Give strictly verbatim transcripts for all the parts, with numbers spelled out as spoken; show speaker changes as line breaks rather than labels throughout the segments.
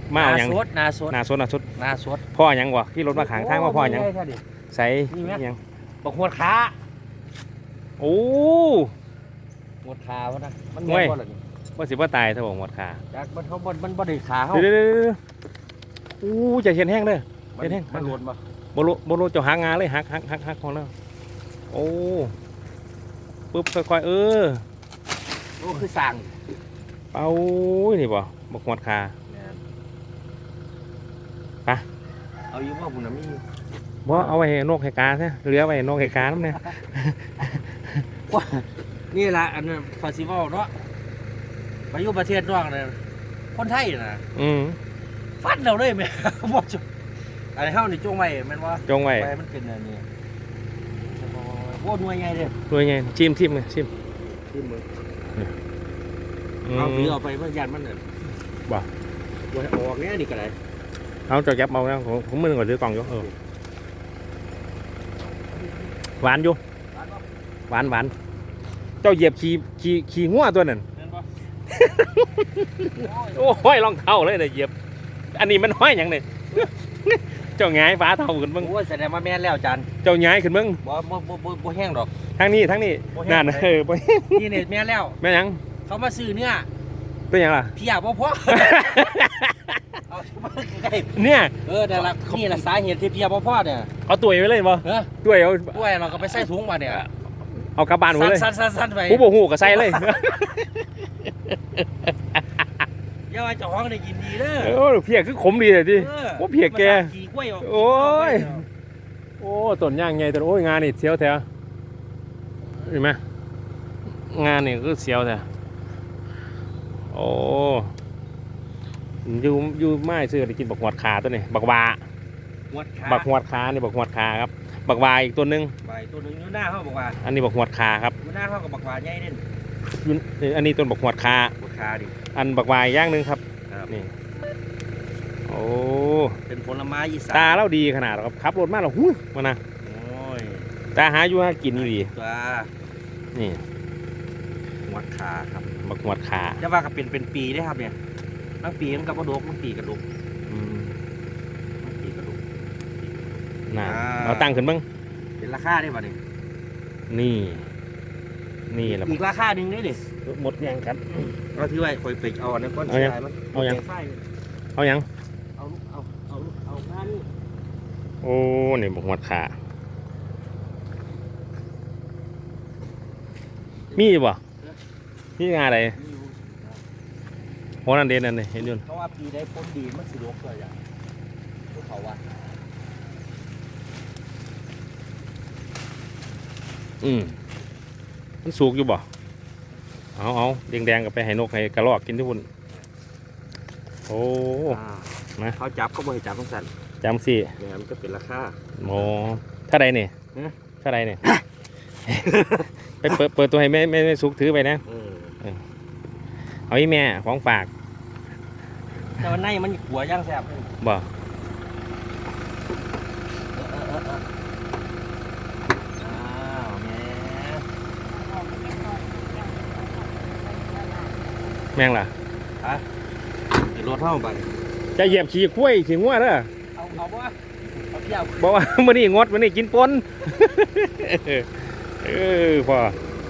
มาเอาหยัง
นาสดนาสด
นาสดนาสด
นาสด
พ่อหยังวะขี่รถมาขางทางว่าพ่อหยังใส่หยัง
บอกหัวขา
โอ้
หัวขาวะนะมันแม่นบ่ล่ะนี่
ว่าสิว่าตายถ้าบอกหมดขา
จากมันเขาบ่มันบ่ได้ขาเขา
เดี๋ยวเดี๋ยวอู้จะเห็นแห้งเลย
มัน
เห็นแห้ง
มันหล่นบ่
โบโลโบโลจะหางาเลยหักหักหักหักของเราโอ้ปึ๊บค่อยๆเออ
โอ้คือสั่ง
เป้านี่บ่บอกหมดขา ไป
เอาอยู่ว่าบุญน่ะมีอยู่
บ่เอาไว้ให้นกให้กาซะเหลือไว้ให้นกให้กาน้ำเนี่ย
ว่านี่ล่ะอันนั้นฟาสิวัลเนาะไปอยู่ประเทศนอกน่ะคนไทยน่ะ
อืม
ฟัดเราเลยแม่ บ่จุอันนี้เฮานี่จงไว้แม่นบ่
จงไว้
ไปมันเป็นอันนี้โอ้หน่วยใหญ่เด้อ
ด้วยไงชิมชิมเลยชิม
ขึ้นมือ
อืม
เอาถือเอาไปเพื่อยานมันน่ะ
บ่
บ่ให้ออกแน่นี่ก็ได้
เอาจะแก็บเอาแล้วผมผมมือก่อนซื้อกล่องอยู่เออหวานอยู่หวานหวานเจ้าเหยียบขี่ขี่ขี่งัวตัวนั้น
แม่นบ่
โอ้ห้อยรองเท้าเลยเนี่ยเหยียบอันนี้มันห้อยอย่างเนี่ย เจ้าหงายฟ้าเท้าขึ้นมึง
โอ้ยแสดงว่าแม่นแล้วอาจารย์
เจ้าหงายขึ้นมึง
บ่บ่บ่บ่บ่แห้งดอก
ทางนี้ทางนี้
บ่แห้ง
นั่น
เลย
เออบ่
นี่เนี่ยแม่นแล้ว
แม่หยัง
เขามาซื้อเนื้อ
ตัวหยังล่ะ
เพียบ่พอ เอามาใกล้
เนี่ย
เออแต่ละนี่แหละสาเหตุที่เพียบ่พอเนี่ย
เอาตัวไปเลยบ่
เออ
ตัวเอา
ด้วยเราก็ไปใส่ถุงมาเนี่ย
เอากลับบ้านไปเลย
สั้นสั้นสั้นไป
ผู้บ่ฮู้ก็ใส่เลย
อย่าว่าเจ้าของได้กินดีเด้อ
โอ้เพียคือขมดีเลยดิ
เออ
โอ้เพียแก
ขี่กล้วยออก
โอ้ย โอ้ต้นย่างไงต้นโอ้ยงานนี่เสียวแท้เห็นไหมงานนี่ก็เสียวแท้โอ้อยู่อยู่ไม้ซื้อได้กินบักหวดขาตัวนี้บักวา
หวดขา
บักหวดขานี่บักหวดขาครับบักวาอีกตัวหนึง
ใบตัวหนึงอยู่หน้าเขาบอกว่า
อันนี้บักหวดขาครับ
อยู่หน้าเขากับบักหวานใหญ่เด่น
อยู่นี่อันนี้ต้นบักหวดขา
หวดขาดิ
อันบักวาอีกอย่างหนึงครับ
ครับ
นี่โอ้
เป็นผลไม้อีสาน
ตาเราดีขนาดครับขับรถมาแล้วหุ้ยมานะ
โอ้ย
ตาหาอยู่หากินนี่ดี
ตัว
นี่
หวดขาครับ
บักหวดขา
จะว่าก็เป็นเป็นปีได้ครับเนี่ยทั้งปีมันกับกระดกทั้งปีกระดก
อืม
ทั้งปีกระดก
น่ะ
อ่า
เราตั้งขึ้นบ้าง
เป็นราคาได้ป่ะเนี่ย
นี่ นี่แหละ
อีกราคาหนึ่งได้ดิ
หมดยังครับ
เราที่ว่าคอยไปเอาอันนั้นก้อน
เอายัง
ชายมัน
เอายัง
ไฟ
เอายัง
เอาลูกเอาเอาลูกเอาหน้านี่
โอ้ นี่บกหมดขามีอยู่บ่มีงานอะไร
นี่อยู่
โหนั่นเด่นนั่นเลยเห็นอยุ่น
เพราะว่าปีได้พ้นดีมันสิลกเลยอย่างพวกเขาว่า
อืมมันสุกอยู่บ่เอาเอาแดงๆกับไปให้นกให้กระรอกกินที่พุ่นโอ้ มา
เขาจับก็บ่ให้จับทั้งสัน
จำสิ
เนี่ยมันก็เป็นราคา
โมถ้าใดเนี่ย
ฮะ
ถ้าใดเนี่ย ไปเปิดเปิดตัวให้แม่แม่แม่สุกถือไปนะ
เออ
เอาอีแม่ของฝาก
แต่วันในมันหัวย่างแซ่บเลย
บ่
เออเออเออเอออ้าวแม่
แม่งล่ะ
ฮะเดี๋ยวรถเท่าไป
จะเหยียบขี่คุ้ยขี่งัวเด้อ
เอาเอาบ่เอาเที่ยว
บอกว่า มื่อนี้งดมื่อนี้กินปน เออพอ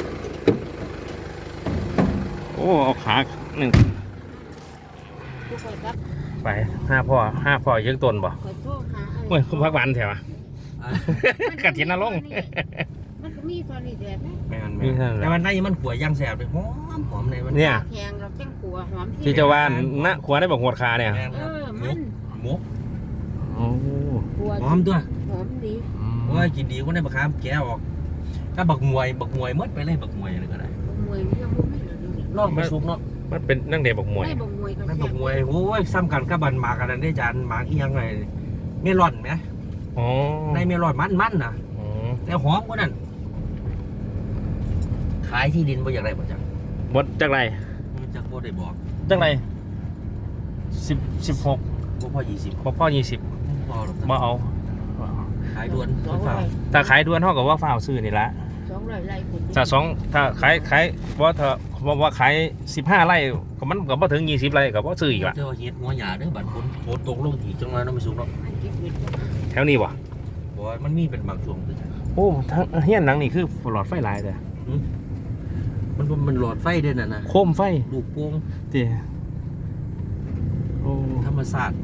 โอ้เอาขาหนึ่ง
ทุกคนครับ
ไปห้าพ่อห้าพ่อยังต้นบ่
ขอโทษค่ะ
เฮ้ยคุณพักวันแถวะ กระถินนรงค์
มันก็มีตอนนี้แดดนะ
แม่น
มี
แม่
เท่านั้นแหละ
แต่วันในมันหัวย่างแซ่บเลยหอมหอมในมัน
เนี่ย
แข็งเราแจ้งขัวหอม
ที่เจะว่าณขวาได้บอกหัวขาเนี่ย
แม่น
เอ
ครับ
อ
ห
มั
มู
น
หมู
โอ้
ขัว
หอมตัว
หอมดี
โอ้ยกินดีก็ได้บักขามแกะออกถ้าบักมวยบักมวยหมดไปเลยบักมวยอะไรก็ได้
บมวยมันยังบ่มีเหรอดูดิ
นอกมาสุกเนาะ
มันเป็นนั่งเด็กบอกมวย
ไม่บมวยก็
นั่น
แซ่
บั
บ
กมวยโอ้ยซ้ำกันกับบันหมากกันนั่นได้จานหมากอีหยังไงเมลอนไหม
อ๋อ
ในเมลอนมันมันนะ
อ๋อ
แต่หอมกว่านั้นขายที่ดินบ่อย่างไรบ่จัง
บดจากไร
มันจักบ่ได้บอก
จากไรสิบสิบหก
บ่พอยี่สิบ
พ่อพ่อยี่สิบ
พอหรอก
มาเอา
ขายด่วน
ส
ต้
อน ง
ฝา
ร้อย
แต่ขายด่วนเท่ากับว่าฝ้าวซื้อนี่ละ
สสองร้อยไร่คน
ถ้าสองถ้าขายขายว่าถ้าว่าว่าขายสิบห้าไร่ก็มันก็บ่ถึงยี่สิบไร่ก็บ่ซื้ออีกละ
เจ้าเฮ็ดหัวหยาเด้อบัดฝนฝนตกลงอีกจังเลยเนาะไม่สูงเนาะ
อันเก็บเงิน
แถวนี้บ่
บ่ว่ามันมีเป็นบางช่วงคือ
โอ้ทั้งเฮียนหลังนี่คือหลอดไฟหลายแต่
มันมันหลอดไฟเด้อน่ะนะ
โคมไฟ
ลูกโป่ง
เด้โอ้
ธรรมศาสตร์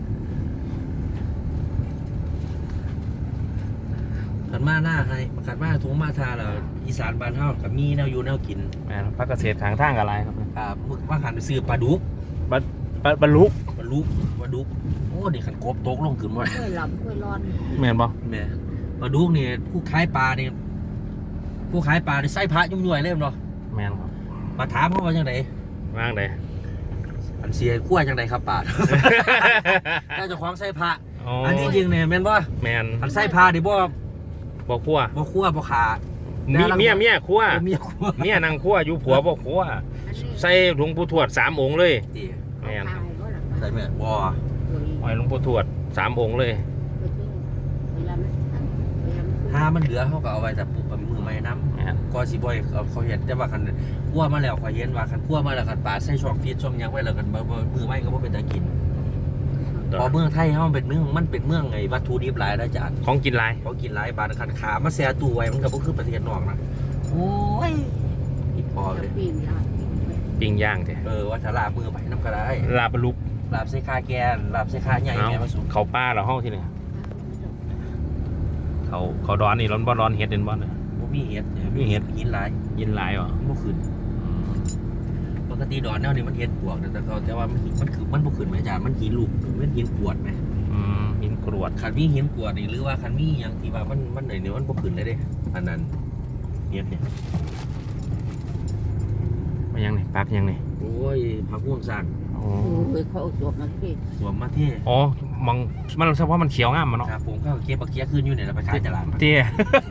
ขันมาหน้าให้ขันมาทุ่งมาทาแล้วอีสานบ้านเฮาก็มีแนวอยู่แนวกิน
แม่นพักเกษตรทางทางอะไรครับ
อ่ามึกว่าหันไปซื้อปลาดุก
บรรบรรบรรลุ
ปลาดุกปลาดุกโอ้นี่ขันกบตกลงขึ้นมา
ค่อยหลับค่อยร้อน
แม่นบ่
แม่ปลาดุกนี่ผู้ขายปลานี่ผู้ขายปลานี่ใส่พระยุ่งย่วยเลยเนาะ
แม่นครับ
มาถามเขาว่าจังได
ว่างได
อันเสียขั้วจังไดครับปลา ถ้าเจะคล้าของใส่พระ
อ๋อ
อันที่จริงเนี่ยแม่นบ่
แม่น
อันใส่พระนี่บ่
บ่ครัว
บ่คั่วบ่ขา
มีเมียเมียครัว
บ่เมียคั่ว
เมียนางครัวอยู่ผัวบ่ครัว
อันนี้
ใส่หลวงปู่ทวดสามองค์เลย
ติ
แม่น
ตายก็หลับ
ใส่แม่นบ่
ไว้หลวงปู่ทวดสามองค์เลย
เวลามันเวลามัน
ถ้ามันเหลือเขาก็เอาไว้แต่ปุ๊บเอามือไม้น้
แม่น
ำก็สิบ่อยเขาเขาเห็นแต่ว่าคันคั่วมาแล้วเขาเห็นว่าคันคั่วมาแล้วคันปลาใส่ช่องฟีดช่องหยังไว้แล้วกันบ่บ่มือไม้ก็บ่เป็นตากินเพอเมืองไทยเฮามันเป็นเมืองมันเป็นเมืองไอ้วัตถุดิบหลายนะจ๊ะ
ของกินหลาย
เขากินหลายบาทคันขามาแซ่ตู้ไว้มันก็บ่คือประเทศนอกนะโอ้ยอีพอเลย
ปีนได้
ปิ้งย่างแท้
เออว่าถ้าลาบมือไปน้ำก็ได้
ลาบลุก
ลาบใส่ขาแกนลาบใส่ขาใหญ่
เอา
แม่มาสุ
เขาป้าเหราเฮาที่นี่เขาเขาดอนนี่ร้อนบ่ร้อนเฮ็ดเด่นบ่เนี่ย
บ่มีเห็ดเนี่ย
มีเห็ด
หินหลาย
ยินหลายบ่
บ่ขึ้นปกติดอนแนวนี้มันเห็ดปวกแต่เขาแต่ว่ามันมันคือมันบ่ขึ้นไหมอาจารย์มันหินลูกมันหินปวดไหม
อืมหินกรวด
คันมีหินปวดนี่หรือว่าคันมีหยังที่ว่ามันมันไหนเนี่ยมันบ่ขึ้นเลยเด้อันนั้นเห็ดเนี่ย
มายังนี่ปักยังนี่
โอ้ยผักม่วงสั่ง
โอ้
โอ้ยเขาเอาสวมมาที่
สวมมาเท่
อ๋อมองมันเฉพาะมันเขียวงามมันเนาะ
ครับผมก็เก็บบักเคียขึ้นอยู่เนี่ยเราไปขายตลาด
เตี้ย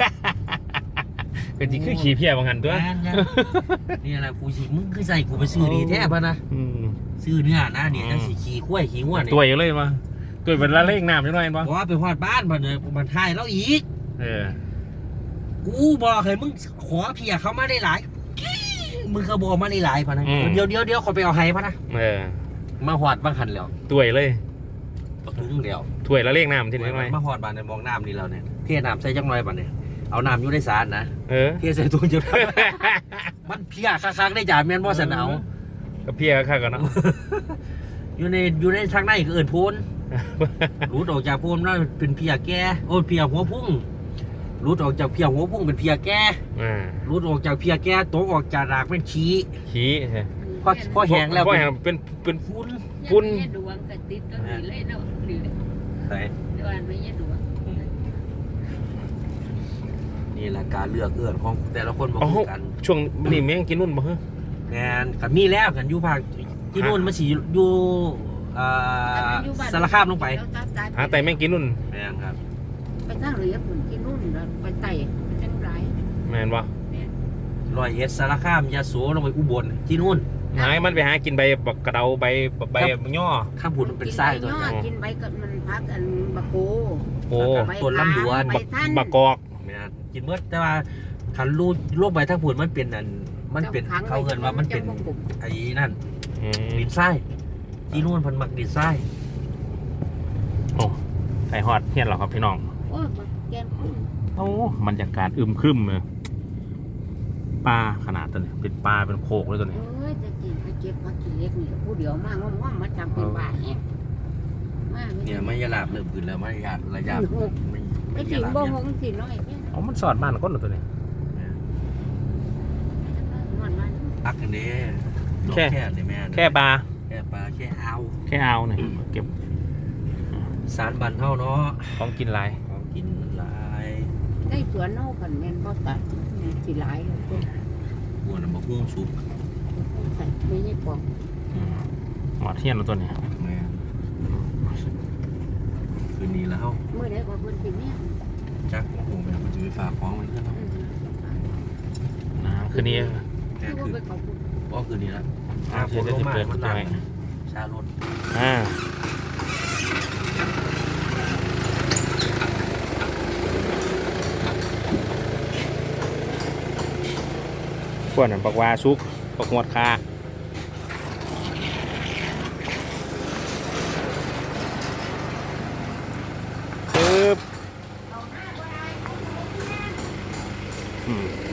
เป็นจริงคือขี้เพี้ยบางหันตัว
งานงานนี่แหละกูสิมึงคือใส่กูไปซื้อดีแท้ป่ะนะ
อืม
ซื้อเนื้อนะเนี่ยจังสิขี่ข้วยขี่ง่วนเนี่ย
ตัวอยู่เลยมาตัวเป็นละเลขน้ำจังหน่อยเห็น
บ
บ่
อกว่าไปฮอดบ้านบ่เนี่ยมันทายแล้วอีก
เออ
กูบอกให้มึงขอเพียเขามาได้หลายมึงเขาบอกมาได้หลายพะนะ
อืม
เดี๋ยวเดี๋ยวเดี๋ยวคนไปเอาให้พะนะ
เออ
มาฮอดบางหันแล้ว
ตัวเลย
ปักถุงเดียว
ถ้วยละเลขน้ำที่นี่หน่อย
มาฮอดบ้านเนี่ยมองน้ำนี่แล้วเนี่ยเทน้ำใส่จังหน่อยบ่เนี่ยเอาน้ำอยู่ในสารนะ
เออ
เทใส่ถุงจะ มันเพียค้างๆได้จ่าแม่นบ่สันเอา
ก็เพี้ยข้ากันเนาะ
อยู่ในอยู่ในทางในก็เอิ้นโพน รูดออกจากโพนแล้วเป็นเพียแก่โอ้ยเพียหัวพุ่งรูดออกจากเพียหัวพุ่งเป็นเพียแก่
อ่า
รูดออกจากเพียแก่ตกออกจากรากเป็นขี้
ขี้ใช่
พอพอแห้งแล้ว
พอ
เป็น
แห้งเป็นเป็น
ฟุ้น
ฝุ่น
ดวงกระติดก็มีเลยเนาะนี่
ใช่
ดวงไม่ใช่ดวง
นี่แหละการเลือกเอื้อนของแต่ละคนบ่
อ๋อ
คือกัน
ช่วงนี้แม่งกินนุ่นบ่ฮะ
งานกับมีแล้วกันอยู่ภาคที่นู่นมันสิอยู่อ่าสารคามลงไป
หาแต่แม่งกินนุ่น
แม่นครับ
ไปทางเหลือผลกินนู่นแล้วไปไต่ไปจังไร
แม่นบ่
ร้อยเอ็ดสารคามยะโสลงไปอุบลที่นู่น
หายมันไปหากินใบบักกระเดาใบใบย่อ
ข้ามผุนเป็นไส้ตัว
กิน
นี้
ใบกินใบก็มันพักอันบะโก
โอ้
ใบ
ต้นลำดวน
ใบท่าน
บักกอก
แม่นกินเมื่อแต่ว่าคันรูดโรคใบทั้งผุนมันเป็นอันมันเป็นเขาเงินว่ามันเป็นไอ้นั่น
อืม
ดินทรายที่นู่นเพันมักดินทราย
โอ้ไก่ฮอดเฮียนเหรอครับพี่น้อง
โอ้ยแกนคุ้ม
โอ้บรรยากาศอึมครึมเลยปลาขนาดตัวนี้เป็นปลาเป็นโขกเลยตัวนี้
เอ้ยจะกินไปเก็บผักกินเล็กนี่ผู้เดียวมากว่างๆมาจำเป็นบาทเนี่ยมาก
เนี่ยไม่ยาลาบเริ่มขึ้นแล้วไม่ยาระยะไม่
ไม่
ไม่
จริ
ยาง ลาบ
บ่
เนี่ย
หงสิน้อยเนี่ย
อ๋อมันสอดบ้านก้นเหรอตัวนี้
มันมัน
ปักกันเด้ดอก
แค่
แค่นี่แม่
แค่ปลา
แค่ปลาแค่เอา
แค่เอาเนี่ยเก็บ
สารบันเท่าเนาะ
ของกินหลาย
ของกินหลาย
ได้สวนโน่กันแม่นบ่ตัดสิหลายเลย
บัวน้ำมะม่วงสุก
ใส่ไม่ใช่ปอก
อืมหมอเทียนแล้วตัวนี้
แม่คืนนี้แล้ว
เมื่อใดก็เพิ่นสิเนี่ย
จักโอ้โหแม่มันจะไปฝากของมันเพื่อนเนาะ
นะคืนนี้
แค่
คือ
คืน
ไปขอบคุณ
ก็คืนนี้แล้ว
อ่า
ฝนลงมา
เดี๋ยวจะ
มันห
เปิ
ลั
ด
ง
ให้
ชารถ
อ่าพวกนั้นปักวาซุกปักหวดคาปึ๊บอืม